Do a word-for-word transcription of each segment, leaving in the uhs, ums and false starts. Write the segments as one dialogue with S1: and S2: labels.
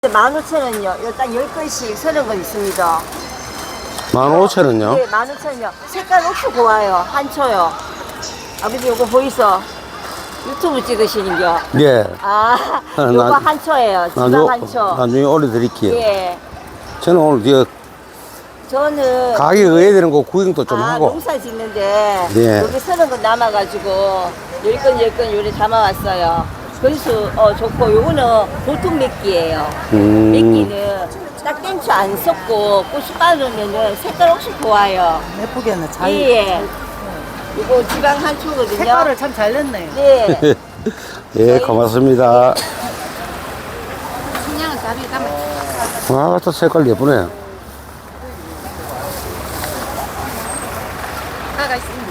S1: 만 오천 원요. 일단 열 건씩 서른 건 있습니다.
S2: 만 오천 원요?
S1: 네, 만 오천 원요. 색깔 없이 고와요. 한초요. 아버지 요거 보이소? 유튜브 찍으시는겨?
S2: 예.
S1: 아,
S2: 아,
S1: 요거
S2: 나-
S1: 한초예요. 지방
S2: 나중,
S1: 한초.
S2: 나중에 올려드릴게요.
S1: 예.
S2: 저는 오늘 저
S1: 저는
S2: 가게 의해야 되는 거 구경도 좀
S1: 아,
S2: 하고.
S1: 농사 짓는데
S2: 네.
S1: 여기 서른 건 남아가지고 열 건 열 건 요리 담아왔어요. 건수 어 좋고 요거는 보통 맵기예요.
S2: 음.
S1: 맵기는 딱 땡초 안 섞고 꽃이 빠르면은 색깔 혹시 좋아요.
S3: 예쁘게는 잘.
S1: 예. 이거 지방 한초거든요.
S3: 색깔을 참 잘 냈네요.
S1: 네.
S2: 예, 고맙습니다.
S1: 그냥 다리 담아.
S2: 아, 또 색깔 예쁘네.
S1: 가가 있습니다.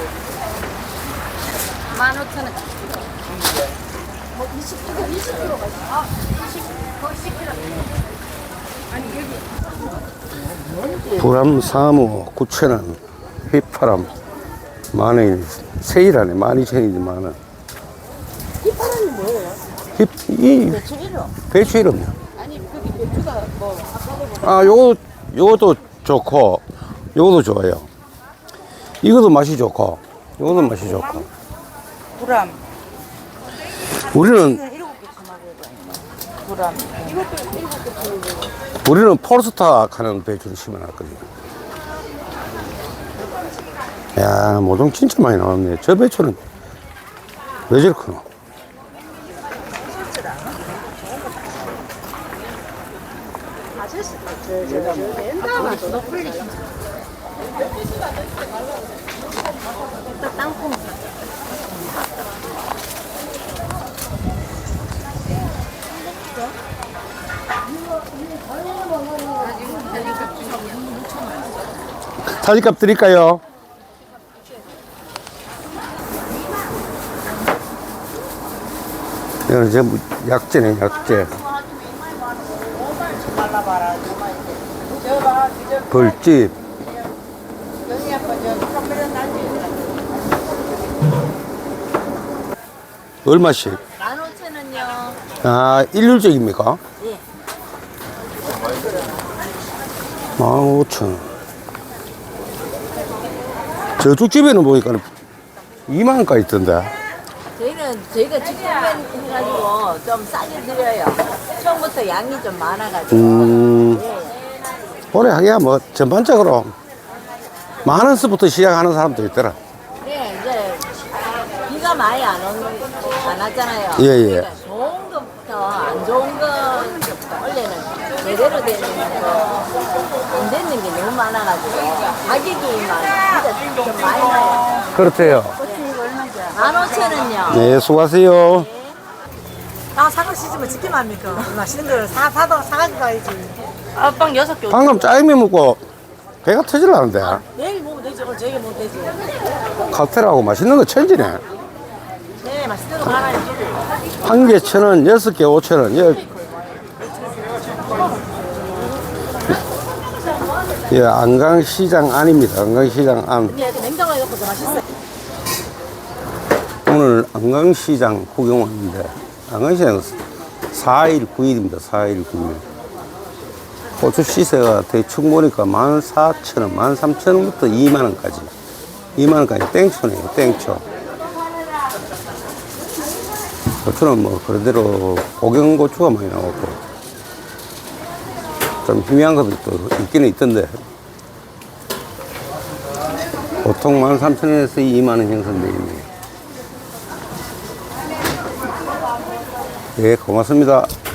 S1: 만 오천 원. 뭐 이십 킬로그램, 이십 킬로그램가 있어. 아, 이십, 거의 십 킬로그램. 아니 여기.
S2: 불암 사무 구천 원, 휘파람 만 원, 세일하네. 만 이천 원이지 만 원.
S1: 휘파람이 뭐예요?
S2: 휘, 이
S1: 배추리로.
S2: 배추 이름이요.
S1: 아니 거기 배추가 뭐 아까도
S2: 아, 요거, 요것도 좋고, 요것도 좋아요. 이것도 맛이 좋고, 요것도 맛이 좋고.
S3: 불암.
S2: 우리는,
S3: 일곱 개 주마리가 불암.
S2: 우리는 폴스타 하는 배추를 심어놨거든요. 야, 모종 진짜 많이 나왔네. 저 배추는 왜 저렇게 크노?
S1: 땅콩.
S2: 사진값 드릴까요? 이거는 전부 약재네, 약재. 벌집. 얼마씩?
S1: 만 오천 원요.
S2: 아, 일률적입니까?
S1: 예.
S2: 만 오천 원. 저쪽집에는 보니까 이만 원까지 있던데.
S1: 저희는 저희가 직접 해가지고 좀 싸게 드려요. 처음부터 양이 좀 많아가지고.
S2: 음,
S1: 예.
S2: 올해 하기야 뭐 전반적으로 만 원서부터 시작하는 사람도 있더라.
S1: 네, 이제 비가 많이 안 오는 안 왔잖아요.
S2: 예, 예.
S1: 그러니까 좋은 것부터 안 좋은 거 원래는 제대로 되는 거안 되는 게 너무 많아가지고 가격이 막 진짜 좀 많이 나요.
S2: 그렇대요.
S1: 만 오천 원요.
S2: 네, 수고하세요.
S3: 아, 사과 시즌을 지키면 합니까? 맛있는 걸 사, 사다, 사가지고 가야지. 아, 빵 여섯 개.
S2: 방금 짜장면 먹고 배가 터질라는데.
S3: 내일 먹으면 되지, 오늘 저녁에 먹으면 되지.
S2: 카페라고 맛있는 거 천지네.
S3: 네, 맛있는 거 하나 주고.
S2: 한 개 천 원, 여섯 개 오천 원. 예, 예, 안강시장 안입니다. 안강시장 안.
S3: 근데 냉장고에 넣고 더 맛있어요.
S2: 오늘 안강시장 구경 왔는데, 안강시장 사 일 구 일입니다. 사 일 구 일. 고추 시세가 대충 보니까 만 사천 원, 만 삼천 원부터 이만 원까지. 이만 원까지 땡초네요, 땡초. 고추는 뭐, 그대로 고경고추가 많이 나오고, 좀 희미한 것도 또 있기는 있던데, 보통 만 삼천 원에서 이만 원 형성되어 있네요. 네, 고맙습니다.